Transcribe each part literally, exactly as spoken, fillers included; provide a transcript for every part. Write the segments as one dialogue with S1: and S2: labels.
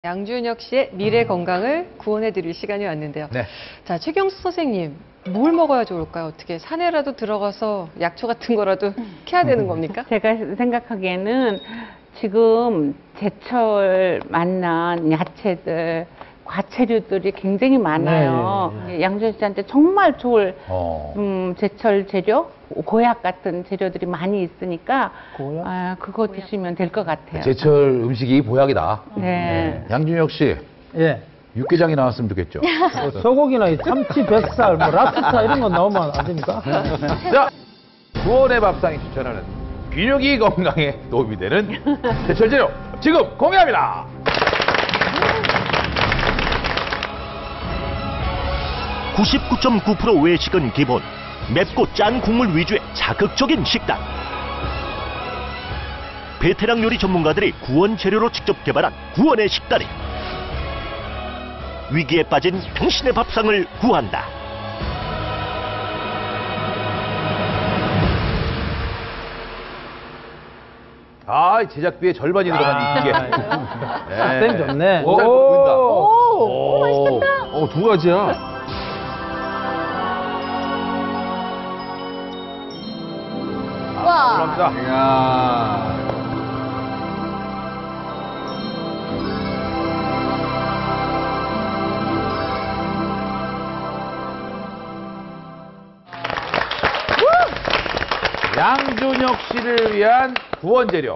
S1: 양준혁 씨의 미래 건강을 구원해드릴 시간이 왔는데요.
S2: 네.
S1: 자, 최경수 선생님, 뭘 먹어야 좋을까요? 어떻게 산에라도 들어가서 약초 같은 거라도 캐야 되는 겁니까?
S3: 제가 생각하기에는 지금 제철 만난 야채들, 과채류들이 굉장히 많아요.
S4: 네, 네, 네.
S3: 양준혁 씨한테 정말 좋을
S2: 어.
S3: 음, 제철 재료, 고약 같은 재료들이 많이 있으니까
S4: 고약?
S3: 아, 그거 드시면 될 것 같아요.
S2: 제철 음식이 보약이다.
S3: 네.
S2: 양준혁 씨,
S4: 예.
S2: 육개장이 나왔으면 좋겠죠.
S4: 뭐 소고기나 이 참치, 뱃살, 뭐 랍스터 이런 거 나오면 안 됩니까?
S2: 자, 구원의 밥상이 추천하는 균형이 건강에 도움이 되는 제철 재료 지금 공개합니다.
S5: 구십구 점 구 퍼센트 외식은 기본, 맵고 짠 국물 위주의 자극적인 식단. 베테랑 요리 전문가들이 구원 재료로 직접 개발한 구원의 식단이 위기에 빠진 당신의 밥상을 구한다.
S2: 아, 제작비의 절반이 들어간 이게.
S4: 쌤 좋네.
S2: 오, 보인다.
S4: 오,
S2: 오, 맛있겠다. 오, 두 가지야. 와. 감사합니다. 이야. 양준혁 씨를 위한 구원 재료.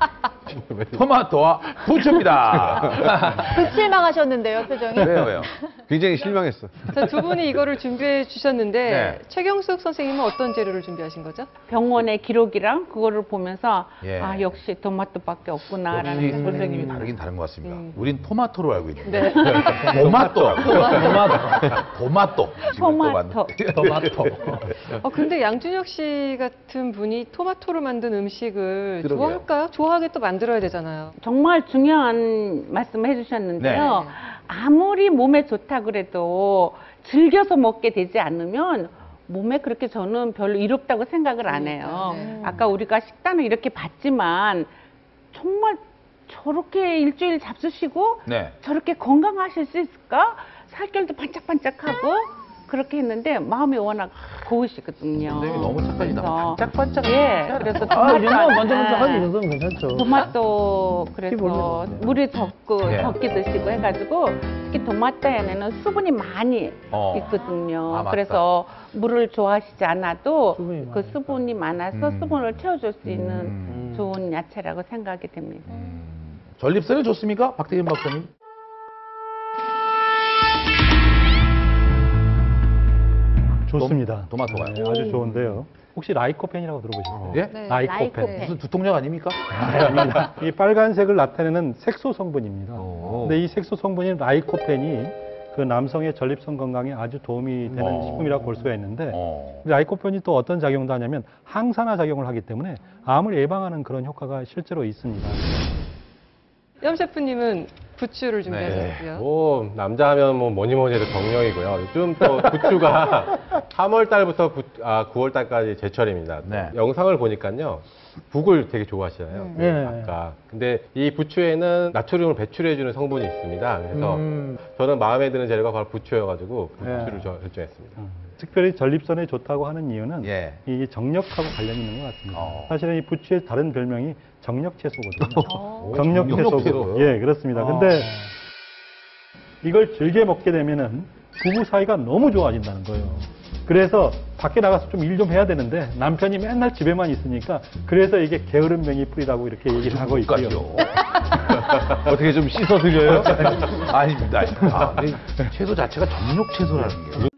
S2: 토마토와 부추입니다.
S6: 그 실망하셨는데요, 표정이.
S2: 왜요, 왜요?
S7: 굉장히 실망했어.
S1: 자, 두 분이 이거를 준비해 주셨는데
S2: 네.
S1: 최경숙 선생님은 어떤 재료를 준비하신 거죠?
S3: 병원의 기록이랑 그거를 보면서
S2: 예.
S3: 아 역시 토마토밖에 없구나라는
S2: 역시
S3: 생각이
S2: 선생님이
S3: 듭니다.
S2: 다르긴 다른 것 같습니다.
S1: 음.
S2: 우린 토마토로 알고 있는데.
S1: 네.
S2: 토마토.
S4: 토마토.
S2: 토마토. 지금 또
S3: 토마토.
S2: 봤는데.
S4: 토마토.
S1: 어, 근데 양준혁 씨 같은 분이 토마토로 만든 음식을
S2: 그러게요.
S1: 좋아할까요? 좋아하게 또 만들어야 되잖아요.
S3: 정말 중요한 말씀을 해주셨는데요.
S2: 네.
S3: 아무리 몸에 좋다 그래도 즐겨서 먹게 되지 않으면 몸에 그렇게 저는 별로 이롭다고 생각을 안 해요.
S1: 네.
S3: 아까 우리가 식단을 이렇게 봤지만 정말 저렇게 일주일 잡수시고
S2: 네.
S3: 저렇게 건강하실 수 있을까? 살결도 반짝반짝하고 그렇게 했는데 마음이 워낙 고우시거든요.
S2: 선생님이 너무 착하시다.
S3: 그래서
S2: 반짝반짝.
S3: 예, 그래서
S4: 아, 이 정도면
S3: 토마토
S4: 만져보자.
S3: 예.
S4: 이 정도면 괜찮죠.
S3: 토마토 그래서
S4: 모르겠네.
S3: 물에 적고
S2: 예.
S3: 적게 드시고 해가지고 특히 토마토에는 수분이 많이
S2: 어.
S3: 있거든요.
S2: 아, 맞다.
S3: 그래서 물을 좋아하시지 않아도
S4: 수분이
S3: 그
S4: 많으니까.
S3: 수분이 많아서
S2: 음.
S3: 수분을 채워줄 수 있는
S2: 음.
S3: 좋은 야채라고 생각이 됩니다.
S2: 음. 전립선에 좋습니까? 박대진 박사님?
S8: 좋습니다.
S2: 도- 토마토가요?
S8: 네, 아주 좋은데요. 혹시 라이코펜이라고 들어보셨어요?
S2: 예?
S6: 네.
S8: 라이코펜.
S6: 라이코펜.
S2: 무슨 두통약 아닙니까?
S8: 아닙니다. 이 빨간색을 나타내는 색소 성분입니다.
S2: 오.
S8: 근데 이 색소 성분인 라이코펜이 그 남성의 전립선 건강에 아주 도움이 되는
S2: 어.
S8: 식품이라고 볼 수가 있는데
S2: 어.
S8: 라이코펜이 또 어떤 작용도 하냐면 항산화 작용을 하기 때문에 암을 예방하는 그런 효과가 실제로 있습니다.
S1: 염 셰프님은 부추를 준비하셨고요.
S7: 뭐 남자 하면 뭐 뭐니 뭐니 해도 정령이고요. 요즘 또 부추가 삼월 달부터 부, 아, 구월 달까지 제철입니다.
S2: 네.
S7: 영상을 보니까요. 북을 되게 좋아하시잖아요.
S1: 음.
S4: 네.
S7: 아까. 근데 이 부추에는 나트륨을 배출해주는 성분이 있습니다. 그래서
S4: 음.
S7: 저는 마음에 드는 재료가 바로 부추여가지고
S4: 네.
S7: 부추를 저- 결정했습니다.
S8: 특별히 전립선에 좋다고 하는 이유는
S2: 예.
S8: 이 정력하고 관련이 있는 것 같습니다.
S2: 어.
S8: 사실은 이 부추의 다른 별명이 정력채소거든요.
S1: 어.
S8: 정력채소고.
S2: 정력채소요?
S8: 예, 그렇습니다. 근데 이걸 즐겨 먹게 되면은 부부 사이가 너무 좋아진다는 거예요. 그래서 밖에 나가서 좀 일 좀 해야 되는데 남편이 맨날 집에만 있으니까 그래서 이게 게으름뱅이 뿌리라고 이렇게 얘기를 하고 있고요.
S2: 까지요. 어떻게 좀 씻어 드려요? 아닙니다. 아, 근데 채소 자체가 정력 채소라는 게.